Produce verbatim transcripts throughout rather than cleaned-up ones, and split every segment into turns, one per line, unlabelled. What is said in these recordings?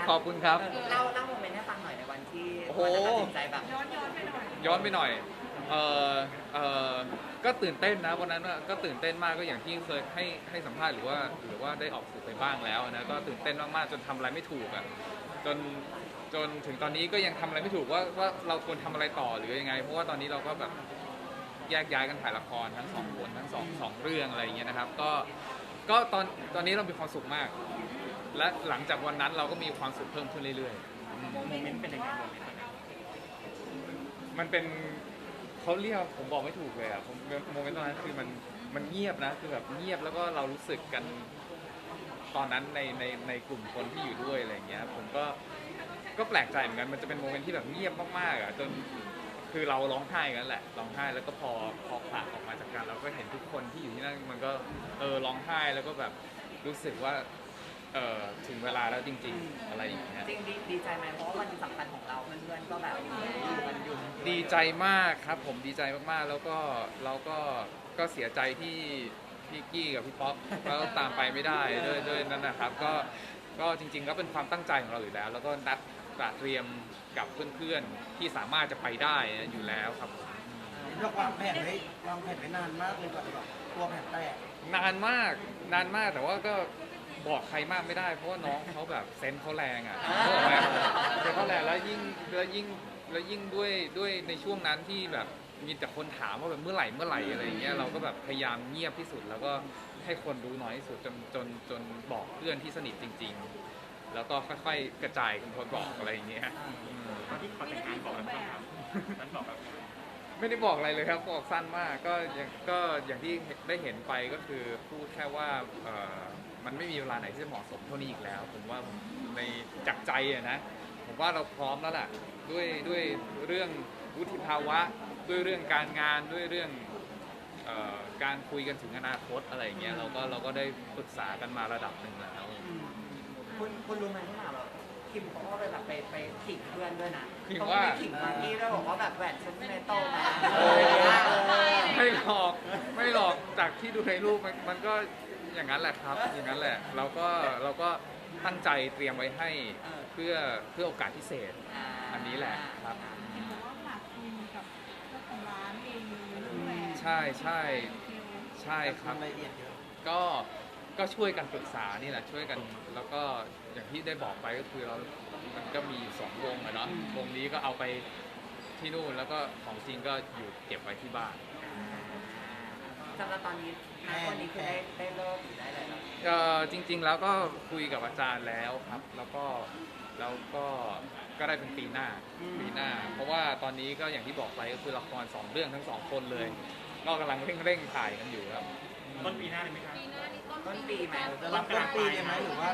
ขอบคุณครับ
เล่าเล่าโมเมนต์ให้ฟังหน่อยในวันที่
โอ้โห
วันตัดสินใจแบบย้อนย้อนไปหน่อย
ย้อนไปหน่อยเออเออก็ตื่นเต้นนะวันนั้นก็ตื่นเต้นมากก็อย่างที่เคยให้ให้สัมภาษณ์หรือว่าหรือว่าได้ออกสื่อไปบ้างแล้วนะก็ตื่นเต้นมากๆจนทำอะไรไม่ถูกอ่ะจนจนถึงตอนนี้ก็ยังทำอะไรไม่ถูกว่าว่าเราควรทำอะไรต่อหรือยังไงเพราะว่าตอนนี้เราก็แบบแยกย้ายกันถ่ายละครทั้งสองคนทั้งสองสองเรื่องอะไรอย่างเงี้ยนะครับก็ก็ตอนตอนนี้เรามีความสุขมาก และหลังจากวันนั้นเราก็มีความสุขเพิ่มขึ้นเรื่อยๆ
โมเมนต์เป็นยังไงโมเมนต์
มันเป็นเขาเรียกผมบอกไม่ถูกเลยอ่ะผมโมเมนต์ตอนนั้นคือมันมันเงียบนะคือแบบเงียบแล้วก็เรารู้สึกกันตอนนั้นในในในกลุ่มคนที่อยู่ด้วยอะไรอย่างเงี้ยผมก็ก็แปลกใจเหมือนกันมันจะเป็นโมเมนต์ที่แบบเงียบมากๆอ่ะจนคือเราร้องไห้กันแหละร้องไห้แล้วก็พอพอผ่านออกมาจากกันเราก็เห็นทุกคนที่อยู่ที่นั่นมันก็เออร้องไห้แล้วก็แบบรู้สึกว่าเออถึงเวลาแล้วจริงๆอะไรอย่างเงี้ย
จริงดีดีใจไหมเพราะว่าวันสำคัญของเราเพื่อนๆก็แบบอยู่กันอยู่
ดีใจมากครับผมดีใจมากๆแล้วก็เราก็ก็เสียใจที่พี่กี้กับพี่ป๊อปก็ตามไปไม่ได้ด้วยด้วยนั่นนะครับก็ก็จริงๆก็เป็นความตั้งใจของเราอยู่แล้ว แล้วก็นัดเตรียมกับเพื่อนๆที่สามารถจะไปได้อยู่แล้วครับผม
เราวางแผนไว้วางแผนไว้นานมากเลยกว่าจะแบบตัวแผนแตก
นานมากนานมากแต่ว่าก็บอกใครมากไม่ได้เพราะว่าน้องเขาแบบเซนส์เขาแรงอ่ะเขาบอกว่าเซนส์เขาแรงแล้วยิ่งแล้วยิ่งแล้วยิ่งด้วยด้วยในช่วงนั้นที่แบบมีแต่คนถามว่าแบบเมื่อไหร่เมื่อไหร่อะไรอย่างเงี้ยเราก็แบบพยายามเงียบที่สุด แล้วก็ให้คนรู้น้อยที่สุดจนจนจนบอกเพื่อนที่สนิทจริง ๆ แล้วก็ค่อยๆกระจายกันคนบอกอะไรอย่างเงี้ยอืม
ตอนที่ขอแต่งงานบอกแล้วครับนั้นบอกแบบ
ไม่ได้บอกอะไรเลยครับบอกสั้นมากก็อย่างก็อย่างที่ได้เห็นไปก็คือพูดแค่ว่าเอ่อมันไม่มีเวลาไหนที่จะเหมาะสมเท่านี้อีกแล้ว ผมว่าในจากใจอะนะผมว่าเราพร้อมแล้วล่ะด้วยด้วยเรื่องวุฒิภาวะด้วยเรื่องการงานด้วยเรื่องเอ่อการคุยกันถึงอนาคตอะไรอย่างเงี้ยเราก็เราก็ได้ปรึกษากันมาระดับหนึ่งแล้ว
คุณคุณรู้ไหมที่หนาแบบคิมเขาก็เลยแบบไปไปขิงเพื่อนด้วยนะ
ขิง
เขา
ว่า
ไปขิงมากกี้ด้วยบอกว่าแบบแหวนฉันในโตนะ
โอ้ไม่หลอกไม่หลอกจากที่ดูในรูปมันมันก็อย่างนั้นแหละครับอย่างนั้นแหละเราก็เราก็ตั้งใจเตรียมไว้ให้เพื่อเพื่อโอกาสพิเศษอันนี้แหละครับ
เห็นบอกว่าฝากคุยกับเจ้าของร้านเองเลยเรื่องแหวน
ใช่ใช่ใช่ครับ
ทำรายละเอียดเยอะ
ก็ก็ช่วยกันปรึกษานี่แหละช่วยกันแล้วก็อย่างที่ได้บอกไปก็คือเรา มันก็มีอยู่สองวงอะเนาะวงนี้ก็เอาไปที่นู่นแล้วก็ของจริงก็อยู่เก็บไว้ที่บ้าน
สำหรับตอนนี้ณวันนี้คือได้ได้เลิกหรือได้อะไรแล้ว
เอ่อจริงๆแล้วก็คุยกับอาจารย์แล้วครับ แล้วก็แล้วก็ก็ได้เป็นปีหน้าปีหน้า เพราะว่าตอนนี้ก็อย่างที่บอกไปก็คือละครสองเรื่องทั้งสองคนเลย ก็กำลังเร่งๆถ่ายกันอยู่ครับ
ต้นปีหน้าเลยไหมครับ
ต้นปีไหม
จะรับต้นปีเลยไหมหรือว่าก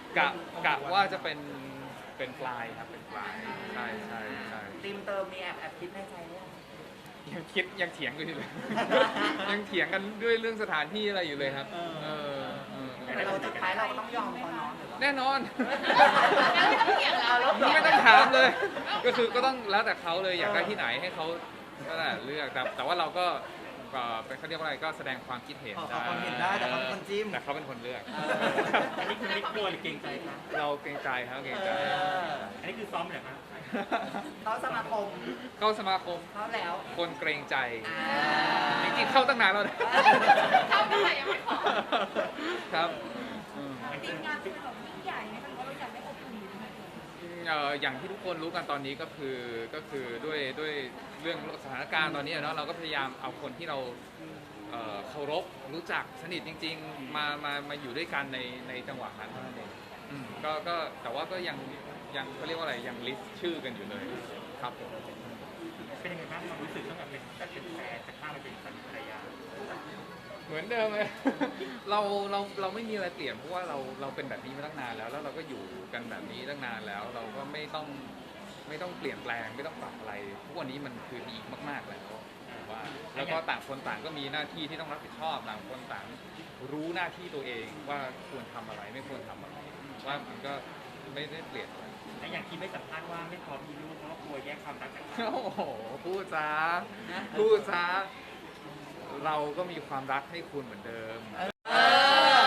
ะกะว่าจะเป็นเป็นปลายครับเป็นปลายใช่ใช่ใช่
ทีมเติมมีแอบแอบคิดในใจว่า
ยังคิดยังเถียงกันอยู่เลย ยังเถียงกันด้วยเรื่องสถานที่อะไรอยู่เลยครับเออเออ
แต่เราสุดท้ายเราก็ต้องยอมเขาเนาะ
แน่นอน
ไม่ต้องเถียงเราแล้ว
ไม่ต้องถามเลย ก็คือก็ต้องแล้วแต่เขาเลยอยากได้ที่ไหนให้เขาก็แหละเลือกแต่แต่ว่าเราก็ก็เป็นเขาเรียกว่าอะไรก็แสดงความคิดเห็น
ขอ
ได้
ความเห็นได้แต่เขาเป็นคนจิ้ม
แต่เขาเป็นคนเลือก
อันนี้คือไม่กลัวหรือเกรงใจครับ
เราเกรงใจครับเกรงใจ
อันนี้คือซ้อมเหรอครับ
เขาสมาคม
เข้าสมาคม
เขาแล้ว
คนเกรงใจ
อ่า
จริงๆเข้าตั้งนานแล้วนะ
เข้าเมื่อไหร่ยังไม่ขอ
ครับอืม
จริงงานเป็นแบบยิ่งใหญ่ไหมคะหรือว่าเราอยากได้อบอุ่นอยู่ไหม
เอ่ออย่างที่ทุกคนรู้กันตอนนี้ก็คือก็คือด้วยด้วยเรื่องสถานการณ์ตอนนี้อะเนาะเราก็พยายามเอาคนที่เราเอ่อเคารพรู้จักสนิทจริง ๆ มามามาอยู่ด้วยกันในในจังหวะนั้นเท่านั้นเองอืมก็ก็แต่ว่าก็ยังยังเขาเรียกว่าอะไรยังลิสต์ชื่อกันอยู่เลยครับผม
เป็นยังไงบ้างความรู้สึกตั้งแต่เป็นแต่เป็นแฟนจะข้ามไปเป็นสามีภรรยา
เหมือนเดิมเลย เราเราเราไม่มีอะไรเปลี่ยนเพราะว่าเราเราเป็นแบบนี้มาตั้งนานแล้ว แล้วเราก็อยู่กันแบบนี้ตั้งนานแล้ว เราก็ไม่ต้องไม่ต้องเปลี่ยนแปลงไม่ต้องปรับอะไรทุกวันนี้มันคือดีมากๆแล้วผมว่าแล้วก็ต่างคนต่างก็มีหน้าที่ที่ต้องรับผิดชอบต่างคนต่างรู้หน้าที่ตัวเองว่าควรทำอะไรไม่ควรทำอะไรว่ามันก็ไม่ได้เปลี่ยนอะไร
และอย่างที่ไม่สัมภาษณ์ว่าไม่พร้อมมีลูกเพราะว่ากลัวแยกความรักจากกัน
โอ้โหพูดซะพูดซะเราก็มีความรักให้คุณเหมือนเดิม มันไม่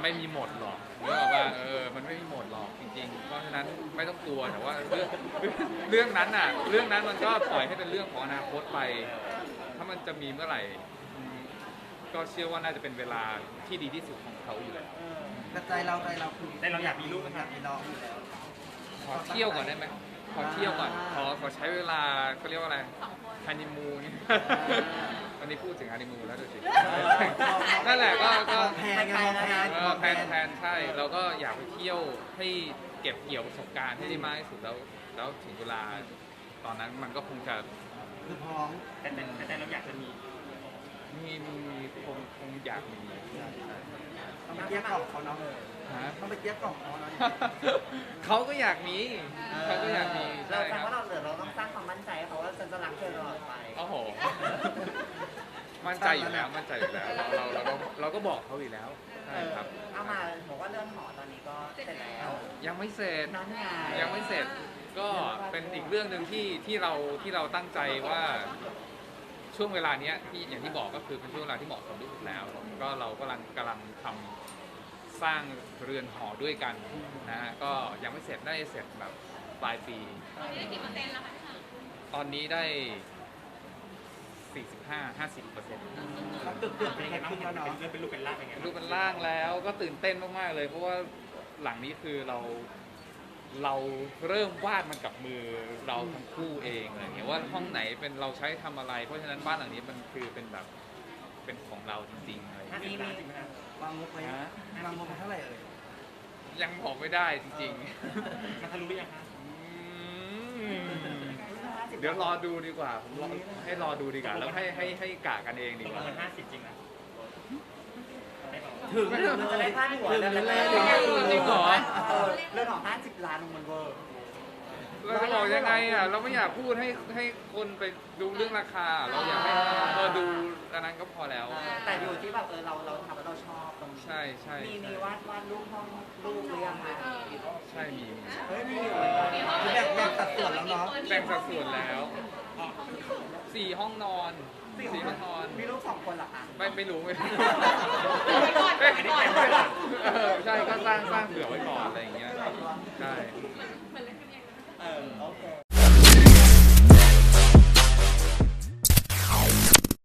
ไม่มีหมดหรอกเรื่องว่าเออมันไม่มีหมดหรอกจริงๆเพราะฉะนั้นไม่ต้องกลัวแต่ว่าเรื่องเรื่องนั้นอ่ะเรื่องนั้นมันก็ปล่อยให้เป็นเรื่องของอนาคตไป ถ้ามันจะมีเมื่อไหร่อืมก็เชื่อว่าน่าจะเป็นเวลาที่ดีที่สุดของเขาอยู่แล้ว
แต่ใจเราใจเราคือ
แต่เราอยากมีลูก
อ
นะค
ยา
รับ
กมีน้องอยู่แล้ว
ขอเที่ยวก่อนได้ไหมขอเที่ยวก่อนขอขอใช้เวลาเขาเรียกว่าอะไรฮันนีมูนวันนี้พูดถึงฮันนีมูนแล้วดูสินั่นแหละก็ก็
แพนไงมองแพน
เออแพลนแพลนใช่เราก็อยากไปเที่ยวให้เก็บเกี่ยวประสบการณ์ให้ได้มากที่สุดแล้วแล้วถึงเวลาตอนนั้นมันก็คงจะ
คือพร้อม
แต่แต่แต่เราอยากจะมี
มีมีมีคงคงอยากมี
ต้องไปเกลี้ยกล่อมเขาเนาะ
ฮะ
ต้องไปเกลี้ยกล่อมเขาเนาะ
เขาก็อยากมีเขาก็อยากมี
เรา
ใช่
แปล
ครับ
ว่าเราเหลือเราต้องสร้างความมั่นใจให้เขาว่าฉันจะรักเธอตลอดไป
โอ้โหมั่นใจอยู่แล้วมั่นใจอยู่แล้วเราเราเราก็เราก็บอกเขาอยู่แล้วใช่ครับ
เอามาบอกว่าเรื่องหอตอนนี้ก็เสร็จแล้ว
ยังไม่เสร็จ
นั่นไง
ยังไม่เสร็จก็เป็นอีกเรื่องหนึ่งที่ที่เราที่เราตั้งใจว่าช่วงเวลาเนี้ยที่อย่างที่บอกก็คือเป็นช่วงเวลาที่เหมาะสมที่สุดแล้ว ก็เรากำลังกำลังทำสร้างเรือนหอด้วยกันนะฮะก็ยังไม่เสร็จได้เสร็จแบบปลายปี
ตอนนี้ได้กี่เปอร์เซ็นต์แล้วคะ
ตอนนี้ได้ สี่สิบห้า ห้าสิบเปอร์เซ็นต์
เขาเกือบเกือบ
เป็
เป็น น
ยังไง
แค่
บ้าง
ครึ่งแล้วเนาะ
เป็นเป็นลูกเป็นล่างเป็นไงบ้าง
ดูเป็นร่างแล้วก็ตื่นเต้นมากๆเลย เพราะว่าหลังนี้คือเราเราเริ่มวาดมันกับมือเราทั้งคู่เองอะไรเงี้ยว่าห้องไหนเป็นเราใช้ทำอะไร เพราะฉะนั้นบ้านหลังนี้มันคือเป็นแบบเป็นของเราจริงๆอะไร
ห้า
เงี้ย
สิบล้านจริงไหมครับ
วางงบไว้
ฮะ
วางงบไว้เท่าไหร่เอ่ย
ยังบอกไม่ได้จริง
มันทะลุหรือยังครับ
ๆอืมเดี๋ยวรอดูดีกว่าผมรอให้รอดูดีกว่าแล้วให้ให้ให้กะกันเองดี
ตก
ก
ล
ว่า
งมันห้าสิบจริงนะไม่บอก
ถึง
มันจะได้พลาดหัว
ถึง
เรื่อง
เล
นั้น
ย
เลย
จริงเหรอ
เออเรื่องของห้าสิบล้านมันเวอร์
เราจะบอกยังไงอ่ะเราไม่อยากพูดให้ให้คนไปดูเรื่องราคา เราอยากให้เราดูอันนั้นก็พอแล้ว
แต่อยู่ที่แบบเออเราเราทำแล้วเราชอบตรงนี้
ใช่ใช่
มี
ใช่
มีวาดวาดรูปห้องรูปหรือยังคะ
ใช่มีมี
เฮ้ยมีอยู่เหมือนกัน
คือแบ่งแบ่งสัดส่วนแล้วเนาะ
แบ่งสัดส่วนแล้วสี่ห้องนอนสี่ห้องนอน
มีรูปสองคนเหรอคะ
ไม่ไม่รู้ไม่รู้
ไปก่อนไปก่อน
เออใช่ก็สร้างสร้างเผื่อไว้ก่อนอะไรอย่างเงี้ยใช่
เหมือนเหมือนเล่นกันเอง
เออโอเค